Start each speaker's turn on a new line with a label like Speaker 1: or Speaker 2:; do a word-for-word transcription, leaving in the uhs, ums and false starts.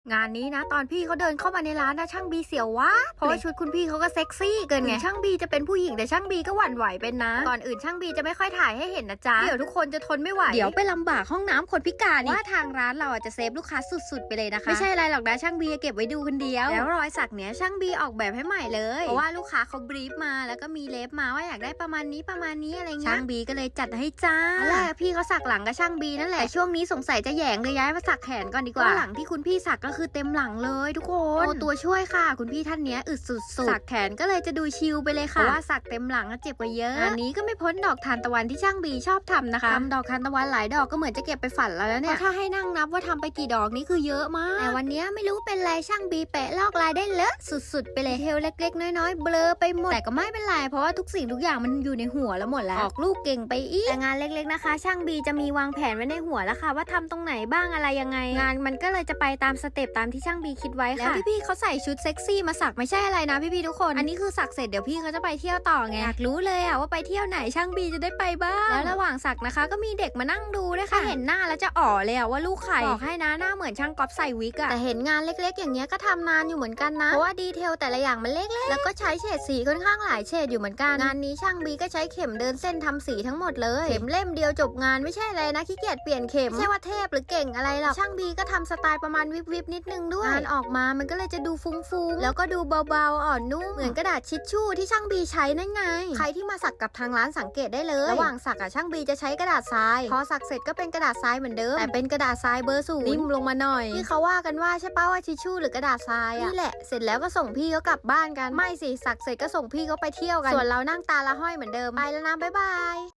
Speaker 1: งานนี้นะตอนพี่เขาเดินเข้ามาในร้านนะช่างบีเสียววะเพราะว่าชุดคุณพี่เขาก็เซ็กซี่เกินไงช่างบีจะเป็นผู้หญิงแต่ช่างบีก็หวั่นไหวเป็นนะก่อนอื่นช่างบีจะไม่ค่อยถ่ายให้เห็นนะจ๊ะเดี๋ยวทุกคนจะทนไม่ไหวเดี๋ยวไปลำบากห้องน้ำคนพิการว่าทางร้านเราอาจจะเซฟลูกค้าสุดๆไปเลยนะคะไม่ใช่อะไรหรอกนะช่างบีเก็บไว้ดูคนเดียวแล้วรอยสักเนี้ยช่างบีออกแบบให้ใหม่เลยเพราะว่าลูกค้าเขาบรีฟมาแล้วก็มีเล็บมาว่าอยากได้ประมาณนี้ประมาณนี้อะไรเงี้ยช่างบีก็เลยจัดให้จ้าแรกพี่เขาสักหลังกับช่างบีนั่นแหละช่วงนี้สงสัยจะแหยงเลยย้ายมาสักแขนก่อนดีกว่าหลังที่คุณพี่สักก็คือเต็มหลังเลยทุกคนโอ้ตัวช่วยค่ะคุณพี่ท่านนี้อึดสุดๆสักแขนก็เลยจะดูชิลไปเลยค่ะเพราะว่าสักเต็มหลังเจ็บกว่าเยอะอันนี้ก็ไม่พ้นดอกทานตะวันที่ช่างบีชอบทำนะคะทำดอกทานตะวันหลายดอกก็เหมือนจะเก็บไปฝันแล้วเนี่ยถ้าให้นั่งนับว่าทำไปกี่ดอกนี่คือเยอะมากแต่วันนี้ไม่รู้เป็นไรช่างบีแปะลอกลายได้เลอะสุดๆไปเลยเทลเล็กๆน้อยๆเบลอไปหมดแต่ก็ไม่เป็นไรเพราะว่าทุกสิ่งทุกอย่างมันอยู่ในหัวแล้วหมดแล้วออกลูกเก่งไปอีกแต่งานเล็กๆนะคะช่างบีจะมีวางแผนไว้ในหัวแล้วค่ะว่าทำตรงไหนบ้างอะไรยังไงงานมันก็เลยจะไปตามสเต็ปตามที่ช่างบีคิดไว้ค่ะแล้วพี่ๆเขาใส่ชุดเซ็กซี่มาสักไม่ใช่อะไรนะพี่ๆทุกคนอันนี้คือสักเสร็จเดี๋ยวพี่เขาจะไปเที่ยวต่อไงอยากรู้เลยอะว่าไปเที่ยวไหนช่างบีจะได้ไปบ้างแล้วระหว่างสักนะคะก็มีเด็กมานั่งดูด้วยค่ะเห็นหน้าแล้วจะอ๋อเลยอะว่าลูกใครบอกให้นะหน้าเหมือนช่างก๊อปใส่วิกอะแต่เห็นงานเล็กๆอย่างเงี้ยก็ทำนานอยู่เหมือนกันนะเพราะว่าดีเทลแต่ละอย่างมันเล็กๆแล้วก็ใช้เฉดสีค่อนข้างหลายเฉดอยู่เหมือนกันงานนี้ช่างบีก็ใช้เข็มเดินเส้นทำสีทั้งหมดเลยเข็มเล่มเดียวจบงานไม่ใช่อะไรนะขี้เกียจเปลี่ยนเข็มไม่ใช่ว่าเทพหรือเก่งอะไรหรอกช่างบีก็ทำสไตล์ประมาณวิบๆนิดนึงด้วยงานออกมามันก็เลยจะดูฟุ้งๆแล้วก็ดูเบาๆอ่อนนุ่มเหมือนกระดาษชิชชู่ที่ช่างบีใช้นั่นไงใครที่มาสักกับทางร้านสังเกตได้เลยระหว่างสักอะช่างบีจะใช้กระดาษทรายพอสักเสร็จก็เป็นกระดาษทรายเหมือนเดิมแต่เป็นกระดาษทรายเบอร์ศูนย์นิ่มลงมาหน่อยที่เขาว่ากันว่าใช่ป้าว่าชิชชู่หรือกระดาษทรายอะนี่แหละเสร็จแล้วก็ส่งพี่เขากลับบ้านกันไม่สิสักเสร็จก็ส่งพี่เขาไปเที่ยวกันส่วนเรานั่งตาละห้อยเหมือนเดิมไปแล้วนะบ๊ายบาย